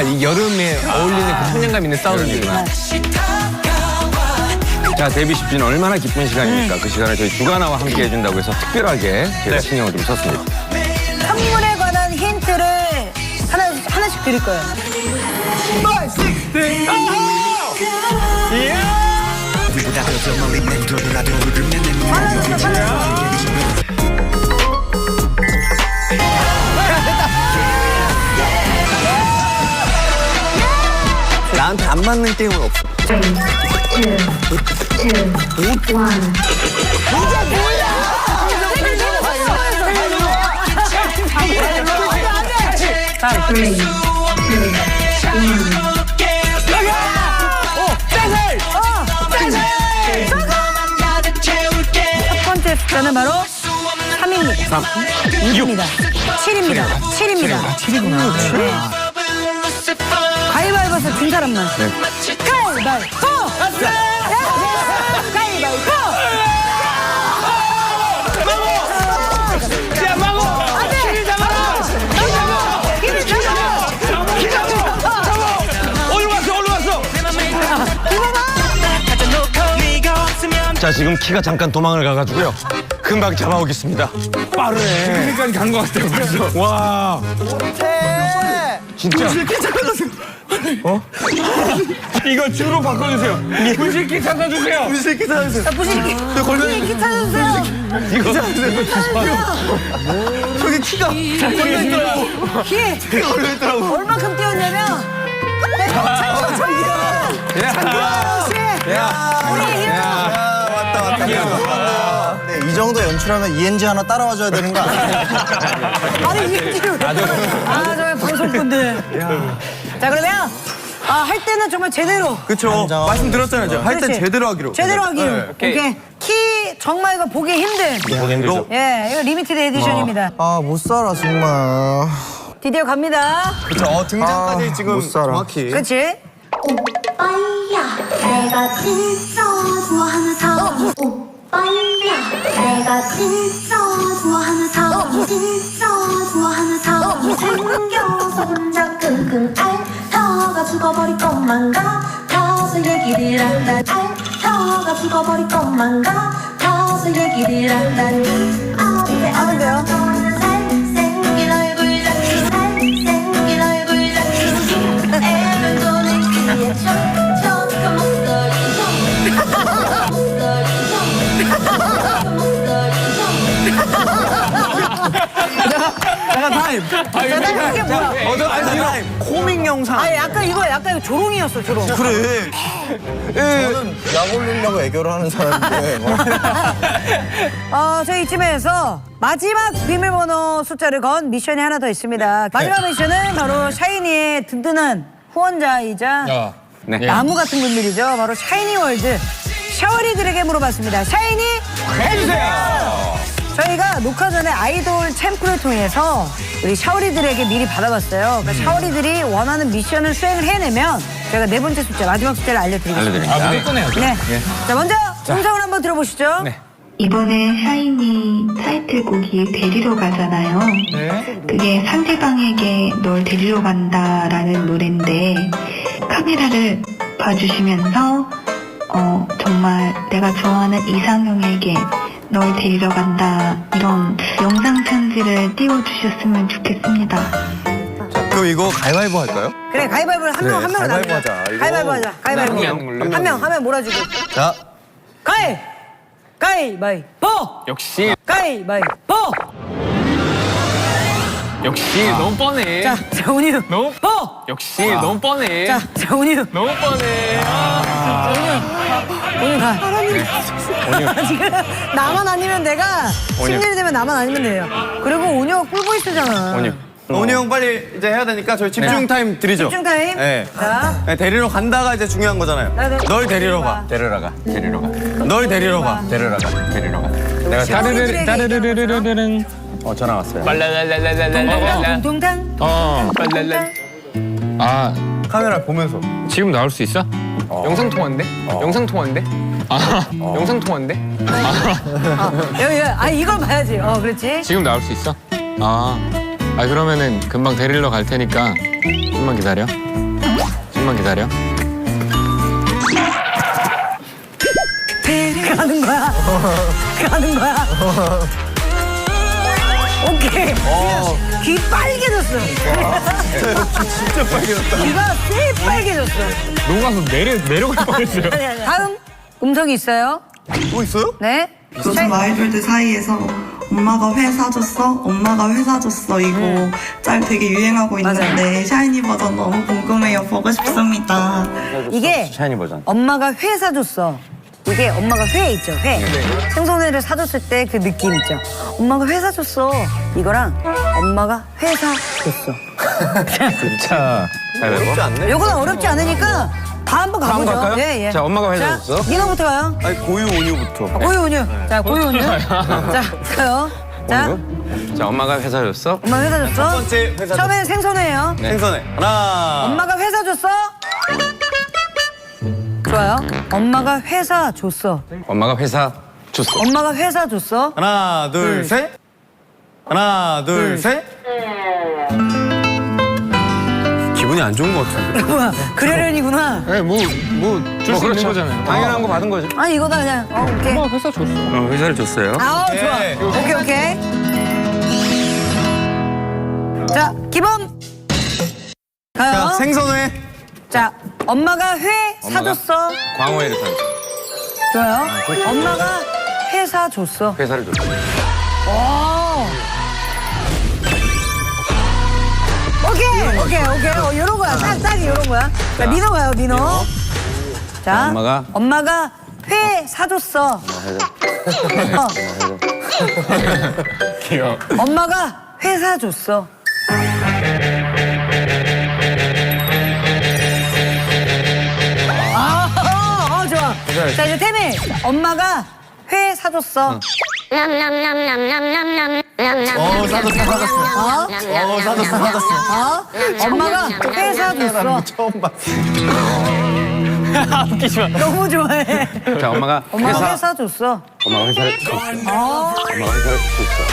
이 여름에 어울리는 그 청량감 있는 사운드구나. 자, 데뷔 10주년 얼마나 기쁜 시간입니까? 그 시간을 저희 주가나와 함께 해준다고 해서 특별하게 제가 신경을 좀 썼습니다. 선물에 관한 힌트를 하나씩 드릴 거예요. 5, 6, 7, 나한테 안 맞는 게임은 없어. 3, 2, 1. 첫 번째 숫자는 바로 3입니다. 3, 6입니다. 7입니다. 7입니다. 7이구나. 네. 가위바위보에서 진 사람만. 네. 가위바위보! 가위바위보! 야, 마고! 안 돼! 힘을 잡아! 어디로 갔어? 자, 지금 키가 잠깐 도망을 가가지고요. 금방 잡아오겠습니다. 빠르네. 여기까지 간 것 같아요, 벌써. 와. 진짜. 어? 이거 주로 바꿔주세요. 분실키 찾아주세요. 분실키 찾아주세요. 부실키. 부실키 찾아주세요. 이거. 저기 키가 걸려있더라고. 키가 걸려있더라고. 얼마큼 뛰었냐면 왔다. 네, 이 정도 연출하면 ENG 하나 따라와줘야 되는 거 아니야? 아니 이게 정말 방송분들. 자 그러면 할 때는 정말 제대로. 그쵸. 말씀드렸잖아요. 할 땐 그렇지. 제대로 하기로. 제대로 하기로. 네, 오케이. 키 정말 이거 보기 힘든. 보기 힘들죠. 예, 이거 리미티드 에디션입니다. 아, 못 살아, 정말. 드디어 갑니다. 그쵸. 등장까지 지금 못 살아. 정확히. 그렇지? 오빠야 내가 진짜 좋아하는 사람 오빠야 내가 진짜 좋아하는 사람 진짜 좋아하는 사람 생겨서 혼자 끙끙 앓다가 죽어버릴 것만 같아서 얘기를 한다 앓다가 죽어버릴 것만 같아서 얘기를 한다 아는데요? 잘생긴 얼굴 잡기 잘생긴 얼굴 잡기 애를 도는 귀에 촉촉한 목소리 잠깐 타임. 이게 뭐야? 타임. 코믹 영상. 아니 약간 이거 조롱이었어, 조롱. 그래. 저는 약 올리려고 애교를 하는 사람인데. 저희 이쯤에서 마지막 비밀번호 숫자를 건 미션이 하나 더 있습니다. 마지막 미션은 바로 샤이니의 든든한 후원자이자 네. 나무 같은 분들이죠. 바로 샤이니월드 샤워리들에게 물어봤습니다. 샤이니 해주세요. 저희가 녹화 전에 아이돌 챔프를 통해서 우리 샤워리들에게 미리 받아봤어요. 그러니까 샤워리들이 원하는 미션을 수행을 해내면 저희가 네 번째 숫자, 마지막 숫자를 알려드리겠습니다. 알려드립니다. 무조건 해야죠. 네. 자, 먼저 음성을 한번 들어보시죠. 네. 이번에 샤이니 타이틀곡이 데리러 가잖아요. 그게 상대방에게 널 데리러 간다라는 노래인데 카메라를 봐주시면서 정말 내가 좋아하는 이상형에게 널 데리러 간다 이런 영상 편지를 띄워주셨으면 좋겠습니다. 그럼 이거 가위바위보 할까요? 그래, 가위바위보를 한 명 가위바위보 나누자. 하자, 이거. 가위바위보 하자. 가위바위보. 한 명 몰아주고. 자, 가위바위보. 역시 가위바위보. 너무 뻔해. 자, 운유. 너무 보. 너무 뻔해. 자, 운유. 너무 뻔해. 운유 가. 지금 나만 아니면 내가 심리이 되면 나만 아니면 돼요. 그리고 운유가 꿀보이스잖아. 원희 형 빨리 이제 해야 되니까 저희 집중 타임 드리죠. 집중 타임. 네. 자, 네, 데리러 간다가 이제 중요한 거잖아요. 널 데리러 가. 데리러 가. 널 데리러 가. 데리러 가. 내가 따르르르르르르르. 전화 왔어요. 동동당. 카메라 보면서. 지금 나올 수 있어? 영상 통화인데? 영상 통화인데? 영상 통화인데? 여기, 이걸 봐야지. 그렇지. 지금 나올 수 있어? 그러면은 금방 데리러 갈 테니까 좀만 기다려. 좀만 기다려. 가는 거야. 가는 거야. 오케이. 귀 빨개졌어. 진짜 빨개졌다. 귀가 꽤 빨개졌어. 녹아서 내려갈 뻔했어요. 다음 음성이 있어요. 또 있어요? 네. 요즘 아이돌들 사이에서 엄마가 회 사줬어? 엄마가 회 사줬어? 이거 짤 되게 유행하고 있는데 샤이니 버전 너무 궁금해요. 보고 싶습니다. 이게 샤이니 버전. 엄마가 회 사줬어. 이게 엄마가 회 있죠, 회. 생선회를 사줬을 때 그 느낌 있죠. 엄마가 회 사줬어. 이거랑 엄마가 회 사줬어. 자, 어렵지 않네. 요거는 어렵지 않으니까 다 한번 다음 가보죠. 갈까요? 예, 예. 자, 엄마가 회 사줬어. 민호부터 가요. 아니 고유 온유부터. 고유 온유. 자, 고유 온유. 자, 가요. 자, 자, 엄마가 회사 줬어. 엄마 회 사줬어. 첫 번째 회 사줬어. 처음에는 생선회예요. 생선회. 하나. 엄마가 회사 줬어? 좋아요. 엄마가 회사 줬어. 엄마가 회사 줬어. 엄마가 회사 줬어. 하나 둘 셋. 하나 둘 셋. 기분이 안 좋은 것 같은데. 뭐야, 그러려니구나. 네, 줄 수 있는 거잖아요. 당연한 거 받은 거죠. 아니, 이거다 그냥. 오케이. 회사 줬어. 회사를 줬어요. 아우, 좋아. 오케이. 오케이, 오케이. 자, 기범. 가요. 자 생선회. 자, 엄마가 회 사줬어. 광어회를 사. 좋아요. 엄마가 회 사줬어. 회사를 줬어. 오. 오케이. 요런 거야. 딱 요런 거야. 자, 민호 가요, 민호. 자, 엄마가 회 사줬어. 귀여워. 엄마가 회 사줬어. 좋아. 자, 이제 태민. 엄마가 회 사줬어. 사줬어. 엄마가 회 사줬어. 처음 봤어. 너무 좋아해. 자, 엄마가 엄마가 회 사줬어. 엄마가 회사를 줬어. 엄마가 회사를 줬어.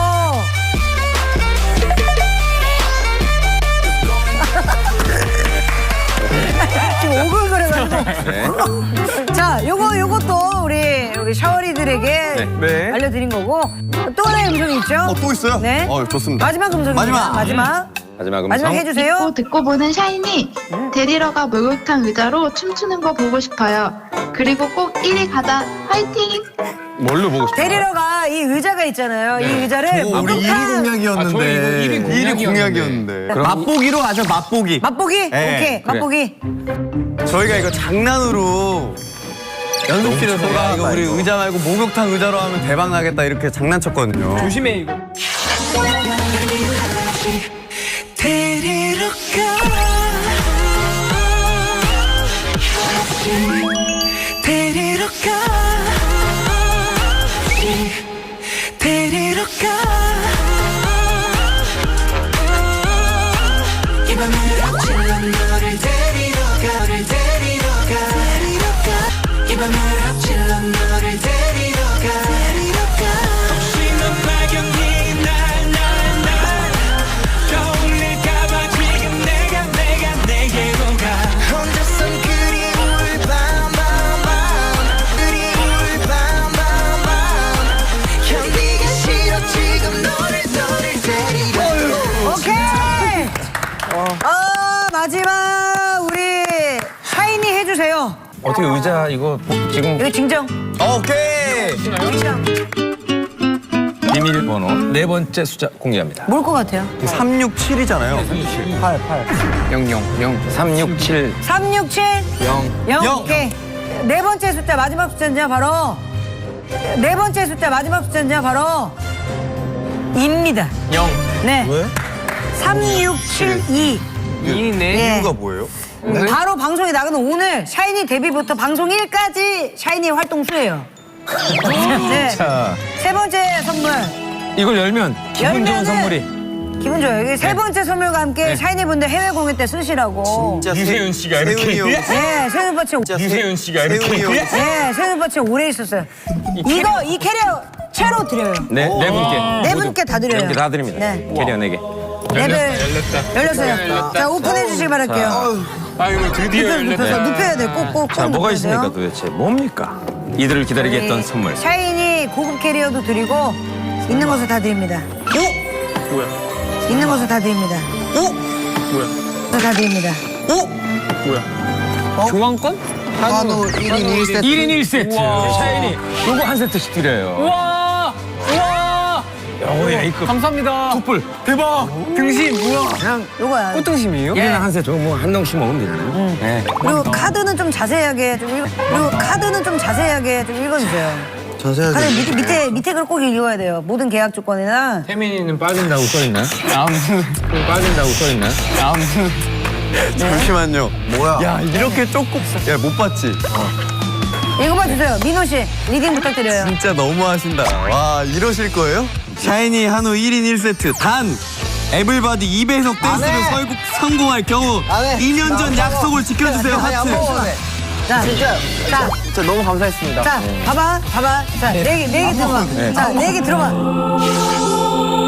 지금 오글거려가지고. 네. 자, 요것도 우리 샤워리들에게 네. 알려드린 거고. 또 하나의 음성이 있죠? 또 있어요? 네. 좋습니다. 마지막 음성입니다. 마지막. 마지막 마지막 음성. 해주세요. 듣고 보는 샤이니 데리러가 목욕탕 의자로 춤추는 거 보고 싶어요. 그리고 꼭 1위 가자. 화이팅! 뭘로 보고 싶어? 데리러 가 이 의자가 있잖아요. 이 의자를 우리 1위 목욕탕 공약이었는데. 1위 공약이었는데. 그럼 맛보기로 하죠, 맛보기. 맛보기? 네, 오케이, 그래. 맛보기. 저희가 이거 장난으로 연습실에서 이거 우리 의자 말고 목욕탕 의자로 하면 대박 나겠다 이렇게 장난쳤거든요. 조심해 이거. 데리러 가 데리러 가 데리러 가 이 밤을 합칠러 너를 데리러 가 데리러 가 이 밤을 합칠러 너를 데리러 가 혹시 넌 발견이 날 떠올릴까봐 지금 내가 내게로 가 혼자선 그리울 그리울 견디기 싫어 지금 너를 데리러 오케이! 마지막 우리 샤이니 해주세요. 어떻게 의자 이거 지금 이거 진정. 오케이. 진정. 비밀번호 네 번째 숫자 공개합니다. 뭘 것 같아요? 367이잖아요. 000 367 367 0 0. 오케이. 네 번째 숫자 마지막 숫자는요 바로 네 번째 숫자 마지막 숫자는요 바로 입니다. 0 네. 왜? 3672. 예. 이유가 뭐예요? 바로 방송이 나가는 오늘 샤이니 데뷔부터 방송 1까지 샤이니 활동 수예요. 네. 자, 세 번째 선물. 이걸 열면 기분 좋은 열면은 선물이 기분 좋아요. 이게 세 번째 선물과 함께 네. 샤이니 분들 해외 공연 때 쓰시라고. 진짜 유세윤 씨가 이렇게. 세훈이 형. 네, 세훈 오빠 진짜. 유세윤 씨가 이렇게. 세훈이 형. 네, 세훈 오빠 진짜 오래 있었어요. 이거 이 캐리어 채로 드려요. 네 분께. 네 분께 다 드려요. 네 분께 다 드립니다. 네. 캐리어 4개. 랩을 열렸어요. 자, 오픈해 주시기 바랄게요. 아이고 드디어 눕혀서 눕혀야 돼. 꼭꼭 자, 뭐가 눕혀야 있습니까 돼요. 도대체? 뭡니까? 이들을 기다리게 했던 선물. 샤이니 고급 캐리어도 드리고 있는 것을 다 드립니다. 뭐야? 있는 것을 다 드립니다. 뭐야? 다 드립니다. 뭐야? 교환권? 한우 1인 1세트. 1인 1세트. 우와. 샤이니 요거 한 세트씩 드려요. 우와! 우와! 요거 A급. 감사합니다. 툭불. 대박! 등심 뭐야? 그냥 요거야. 꽃등심이에요? 얘는 한 세트. 뭐한 덩씩 먹으면 되잖아요. 네. 그리고 카드는 좀 자세하게 좀 그리고 카드는 좀 자세하게 좀 읽어주세요. 자세하게. 카드 밑에 걸 꼭 읽어야 돼요. 모든 계약 조건이나. 태민이는 빠진다고 써있나요? 빠진다고 써있나요? 잠시만요. 뭐야? 야, 이렇게 조금. 야, 못 봤지? 읽어봐 주세요. 민호 씨 리딩 부탁드려요. 진짜 너무 하신다. 와, 이러실 거예요? 샤이니 한우 1인 1세트. 단! 에블바디 2배속 댄스를 성공할 경우 2년 전 약속을 지켜주세요, 하트. 자, 진짜 너무 감사했습니다. 자, 봐봐. 자, 네 개 들어봐. 자, 네 개 들어봐.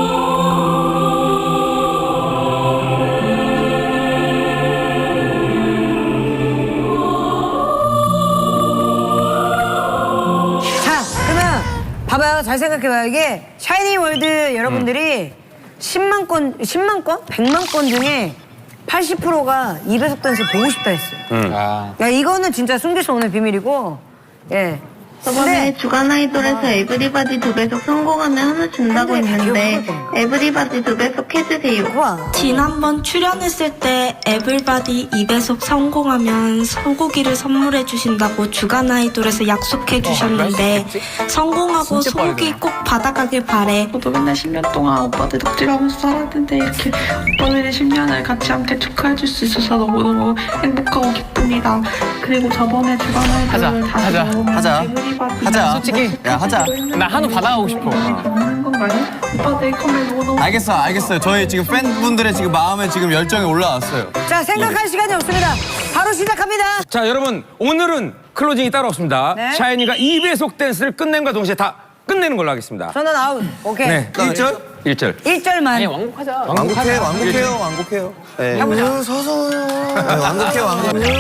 자, 그러면 봐봐요. 잘 생각해봐요. 이게 샤이니 월드 여러분들이 10만 건, 100만 건 중에 80%가 2배속 댄스 보고 싶다 했어요. 야, 이거는 진짜 숨길 수 없는 비밀이고, 예. 저번에 주간 아이돌에서 에브리바디 2배속 성공하면 하나 준다고 했는데 에브리바디 2배속 해주세요. 우와. 지난번 출연했을 때 에블바디 2배속 성공하면 소고기를 선물해 주신다고 주간 아이돌에서 약속해 주셨는데 성공하고 소고기 꼭 받아가길 바래. 저도 맨날 10년 동안 오빠들 덕질하면서 살았는데 이렇게 오빠들의 10년을 같이 함께 축하해줄 수 있어서 너무너무 행복하고 기쁩니다. 그리고 저번에 주간 아이돌을 다시 먹으면 에브리바디 하자. 솔직히 야, 하자. 나 한우 받아가고 싶어. 하는 건가요? 오빠들 컴을 너무너무 알겠어요. 저희 지금 팬분들의 지금 마음에 지금 열정이 올라왔어요. 자, 생각할 시간이 없습니다. 바로 시작합니다. 자, 여러분 오늘은 클로징이 따로 없습니다. 네. 샤이니가 2배속 댄스를 끝냄과 동시에 다 끝내는 걸로 하겠습니다. 저는 아웃. 오케이. 네. 1절? 1절. 1절만. 왕복하자. 완곡해요. 네. 완곡해요.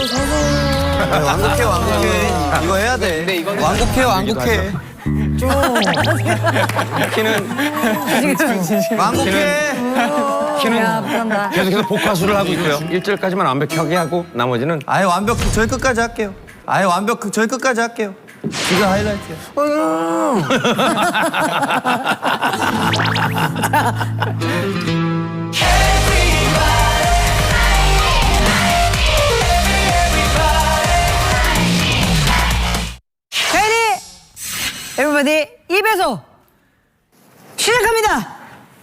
이거 해야 돼. 완곡해. 완곡해. 야, 부럽다. 계속해서 복화수를 하고 있고요. 1절까지만 완벽하게 하고 나머지는 아예 완벽 저희 끝까지 할게요. 이거 하이라이트야. 샤이니 에브리바디 2배속 시작합니다.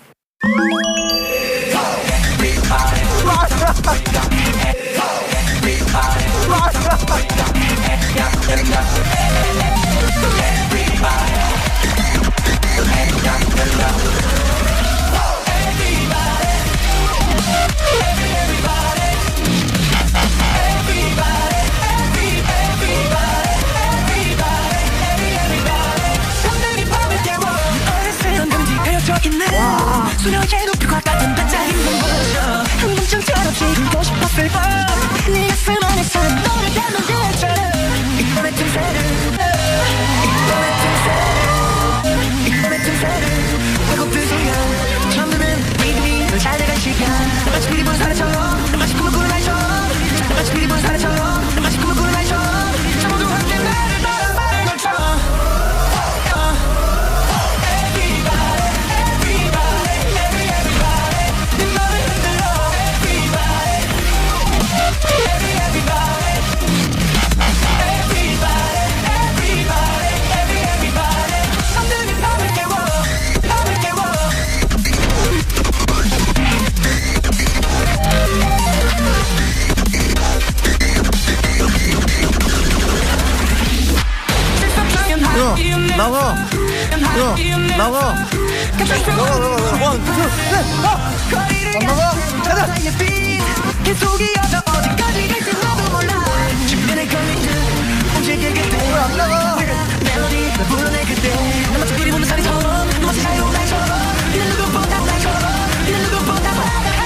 수려의 높이와 같은 반짝이는 보여줘 한 번쯤처럼 지고 싶었을 뻔 네 가슴 안에서 너를 닮은 그처럼 이 밤의 틈새를 배고픈 순간 처음 듣는 리듬이 널 잘 돼간 시간 마치 피리 부는 사례처럼 마치 꿈을 꾸는 날처럼 마치 피리 부는 사례처럼 마치 꿈을 꾸는 날처럼 모두 함께 나를 따라가는 것처럼 나가. 계속 이어져 어디까지 갈지 나도 몰라 주변에 걸린 듯 움직일 그때 멜로디 불러내 그때 나 마치 피리 부는 사리처럼 너 마치 자유로운 날처럼 이는 누구보다 날처럼 이는 누구보다 화가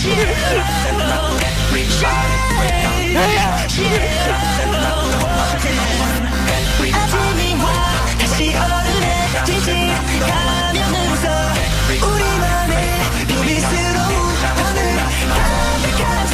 아침이 와 다시 어른해지지 가면으로서 우리만의 비밀스러운 오늘 가득한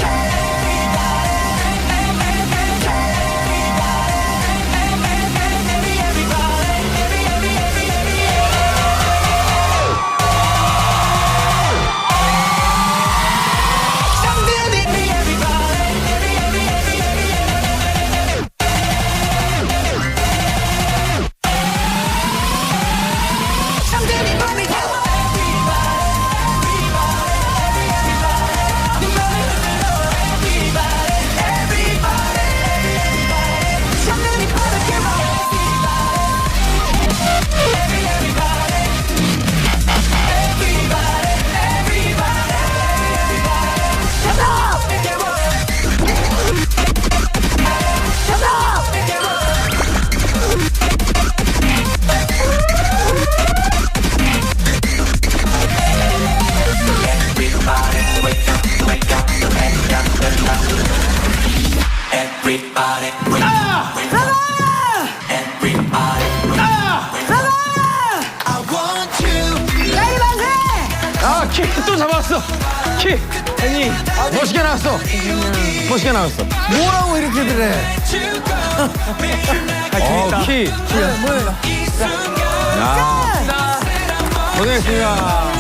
키 또 잡았어. 키. 아니 멋있게 나왔어. 멋있게 나왔어. 뭐라고 이렇게들 해? 키. 뭐야? 야. 고생했습니다.